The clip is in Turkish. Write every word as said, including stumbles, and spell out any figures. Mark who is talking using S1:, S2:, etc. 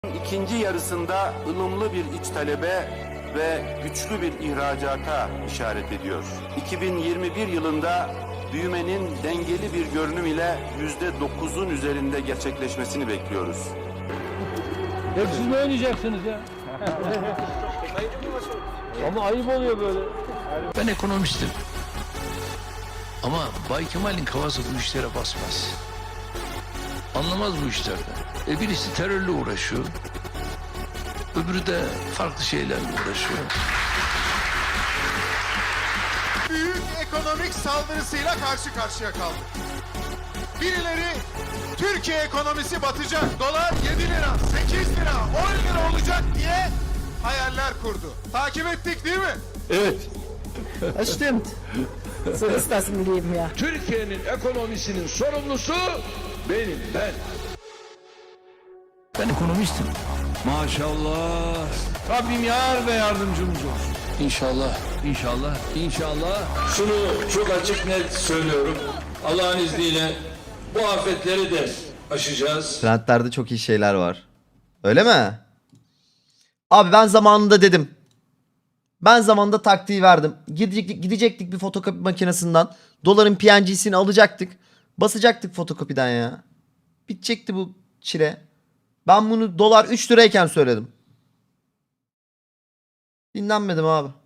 S1: İkinci yarısında ılımlı bir iç talebe ve güçlü bir ihracata işaret ediyor. iki bin yirmi bir yılında büyümenin dengeli bir görünüm ile yüzde dokuzun üzerinde gerçekleşmesini bekliyoruz.
S2: Hep siz mi oynayacaksınız ya? Ama ayıp oluyor böyle.
S3: Ben ekonomistim. Ama Bay Kemal'in kafası bu işlere basmaz. Anlamaz bu işlerden. E birisi terörle uğraşıyor. Öbürü de farklı şeylerle uğraşıyor.
S4: Büyük ekonomik saldırısıyla karşı karşıya kaldık. Birileri Türkiye ekonomisi batacak, dolar yedi lira, sekiz lira, on lira olacak diye hayaller kurdu. Takip ettik değil mi?
S5: Das stimmt. So ist das im Leben, ja.
S2: Türkiye'nin ekonomisinin sorumlusu benim, ben.
S3: Ben ekonomistim.
S2: Maşallah. Rabbim yar ve yardımcımız olsun.
S3: İnşallah.
S2: İnşallah. İnşallah.
S6: Şunu çok açık net söylüyorum. Allah'ın izniyle bu afetleri de aşacağız.
S7: Trendlerde çok iyi şeyler var. Öyle mi? Abi ben zamanında dedim. Ben zamanında taktiği verdim. Gidecektik, gidecektik bir fotokopi makinesinden. Doların P N G'sini alacaktık. Basacaktık fotokopiden ya. Bitecekti bu çile. Ben bunu dolar üç lirayken söyledim. Dinlenmedim abi.